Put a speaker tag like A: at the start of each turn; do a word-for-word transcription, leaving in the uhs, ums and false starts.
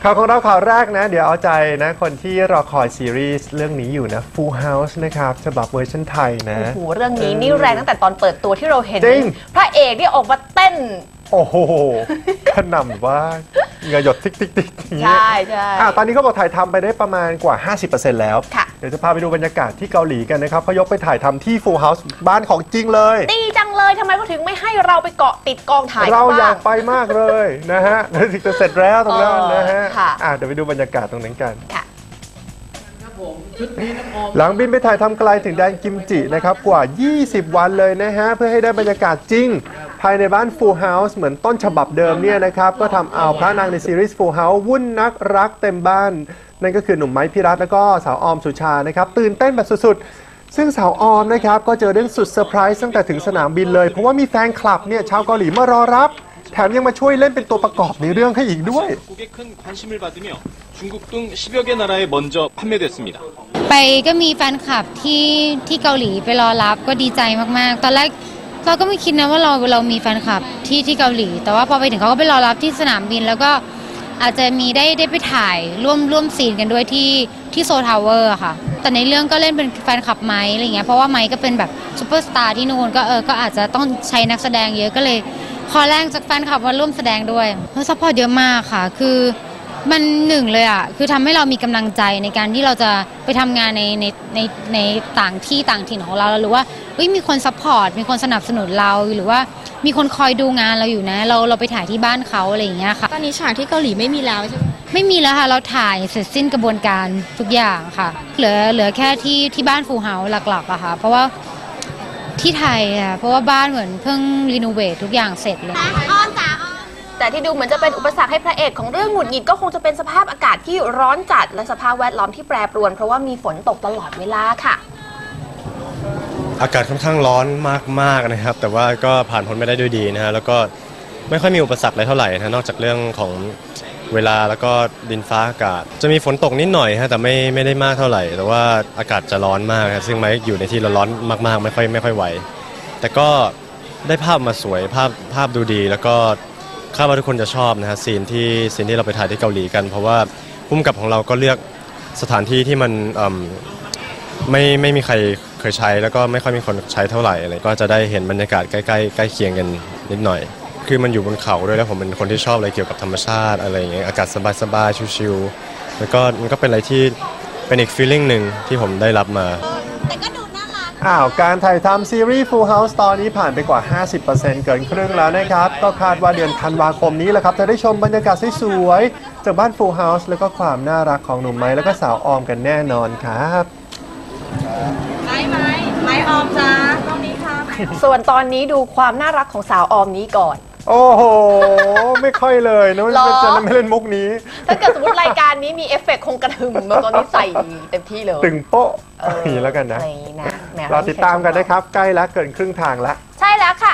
A: ข่าวของเราข่าวแรกนะเดี๋ยวเอาใจนะคนที่รอคอยซีรีส์เรื่องนี้อยู่นะ Full House นะครับฉบับเวอร์ชันไทยนะ
B: โอ้โหเรื่องนี้นี่แรงตั้งแต่ตอนเปิดตัวที่เราเห็น
A: จริง
B: พระเอกนี่ออกมาเต้น
A: โอ้โหขนำว่าเหงาหยดติ๊กติ๊กติ๊กอย่างเงี้ย
B: ใช่ใช่
A: อ่ะตอนนี้เขาบอกถ่ายทำไปได้ประมาณกว่า ห้าสิบเปอร์เซ็นต์ แล้ว
B: ค่ะ
A: เดี๋ยวจะพาไปดูบรรยากาศที่เกาหลีกันนะครับเขายกไปถ่ายทำที่ Full House บ้านของจริงเลย
B: ดีจังเลยทำไมเขาถึงไม่ให้เราไปเกาะติดกองถ่าย
A: เราอยาก
B: บ้ง
A: ไปมากเลยนะฮะแล้วถึงจะเสร็จแล้วตรงนั้นนะฮะ
B: เออค่ะ
A: อ่ะเดี๋ยวไปดูบรรยากาศตรงนั้นกัน
B: ค่ะ
A: หลังบินไปถ่ายทำไกลถึงแดนกิมจินะครับกว่า ยี่สิบ วันเลยนะฮะเพื่อให้ได้บรรยากาศจริง ภายในบ้าน Full House เหมือนต้นฉบับเดิมเนี่ยนะครับก็ทำเอาพระนางในซีรีส์ Full House วุ่นนักรักเต็มบ้าน นั่นก็คือหนุ่มไม้พิรัตน์แล้วก็สาวออมสุชานะครับตื่นเต้นแบบสุดๆ ซึ่งสาวออมนะครับก็เจอเรื่องสุดเซอร์ไพรส์ตั้งแต่ถึงสนามบินเลย เพราะว่ามีแฟนคลับเนี่ยชาวเกาหลีมารอรับ แถมยังมาช่วยเล่นเป็นตัวประกอบในเรื่องให้อีกด้วย
C: 국에 큰 관심을 받으며 중국 등 십여 개 나라에 먼저 판매됐습니다.
D: ไปก็มีแฟนคลับที่ที่เกาหลีไปรอรับก็ดีใจมากๆ ตอนแรกเราก็ไม่คิดนะว่าเราเรามีแฟนคลับที่ที่เกาหลี แต่ว่าพอไปถึงเขาก็ไปรอรับที่สนามบิน แล้วก็อาจจะมีได้ได้ไปถ่ายร่วมร่วมซีนกันด้วยที่ที่โซทาวเวอร์ค่ะ แต่ในเรื่องก็เล่นเป็นแฟนคลับไม้อะไรเงี้ยเพราะว่าไม้ก็เป็นแบบซูเปอร์สตาร์ที่นู่นก็เออก็อาจจะต้องใช้นักแสดงเยอะก็เลยขอแรงจากแฟนคลับมาร่วมแสดงด้วยเพราะซัพพอร์ตเยอะมากค่ะคือมันหนึ่งเลยอ่ะคือทำให้เรามีกำลังใจในการที่เราจะไปทำงานในในในในต่างที่ต่างถิ่นของเราหรือว่าเฮ้ยมีคนซัพพอร์ตมีคนสนับสนุนเราหรือว่ามีคนคอยดูงานเราอยู่นะเราเราไปถ่ายที่บ้านเขาอะไรอย่างเงี้ยค่ะ
E: ตอนนี้ฉากที่เกาหลีไม่มีแล้วใช่ไหม
D: ไม่มีแล้วค่ะเราถ่ายเสร็จสิ้นกระบวนการทุกอย่างค่ะ เหลือเหลือแค่ที่ที่บ้านฟูเฮาหลักๆอะค่ะเพราะว่าที่ไทยอะเพราะว่าบ้านเหมือนเพิ่งรีโนเวททุกอย่างเสร็จเลย
B: แต่ที่ดูเหมือนจะเป็นอุปสรรคให้พระเอกของเรื่องหงุดหงิดก็คงจะเป็นสภาพอากาศที่ร้อนจัดและสภาพแวดล้อมที่แปรปรวนเพราะว่ามีฝนตกตลอดเวลาค่ะ
F: อากาศค่อนข้างร้อนมากๆนะครับแต่ว่าก็ผ่านพ้นไปได้ด้วยดีนะฮะแล้วก็ไม่ค่อยมีอุปสรรคอะไรเท่าไหร่นะนอกจากเรื่องของเวลาแล้วก็ดินฟ้าอากาศ จะมีฝนตกนิดหน่อยฮะแต่ไม่ไม่ได้มากเท่าไหร่ แต่ว่าอากาศจะร้อนมากนะซึ่งไม้อยู่ในที่ร้อนๆมากๆไม่ค่อยไม่ค่อยไหวแต่ก็ได้ภาพมาสวยภาพภาพดูดีแล้วก็คาดว่าทุกคนจะชอบนะฮะซีนที่ซีนที่เราไปถ่ายที่เกาหลีกัน เพราะว่าผู้กำกับของเราก็เลือกสถานที่ที่มันไม่ไม่มีใครเคยใช้แล้วก็ไม่ค่อยมีคนใช้เท่าไหร่อะไรก็จะได้เห็นบรรยากาศใกล้ๆใกล้เคียงกันนิดหน่อยคือมันอยู่บนเขาด้วยแล้วผมเป็นคนที่ชอบอะไรเกี่ยวกับธรรมชาติอะไรอย่างเงี้ยอากาศสบายๆชิลๆแล้วก็มันก็เป็นอะไรที่เป็นอีกฟีลลิ่งหนึ่งที่ผมได้รับมา
A: อ้าวการถ่ายทำซีรีส์ Full House ตอนนี้ผ่านไปกว่า ห้าสิบเปอร์เซ็นต์ เกินครึ่งแล้วนะครับก็คาดว่าเดือนธันวาคมนี้แหละครับจะได้ชมบรรยากาศสวยๆจากบ้าน Full House แล้วก็ความน่ารักของหนุ่มไม้แล้วก็สาวออมกันแน่นอนครับ
E: ไม้ไม้ไม้ออมจ้าตรงนี้ค่ะ
B: ส่วนตอนนี้ดูความน่ารักของสาวออมนี้ก่อน
A: โอ้โห ไม่ค่อยเลยนะ
B: หรอ
A: จะไม่เล่นมุกนี้
B: ถ้าเกิดสมมติรายการนี้มีเอฟเฟกต์คงกระหึ่มมาตอนนี้ใส่เต็มที่เลย
A: ตึงโป๊ะ
B: เออ
A: อย่างนี้แล้วกันนะ
B: อะไรอย่างนี้นะแหม
A: รอติดตามกันนะครับ ใกล้แล้วเกินครึ่งทางแล้ว
B: ใช่แล้วค่ะ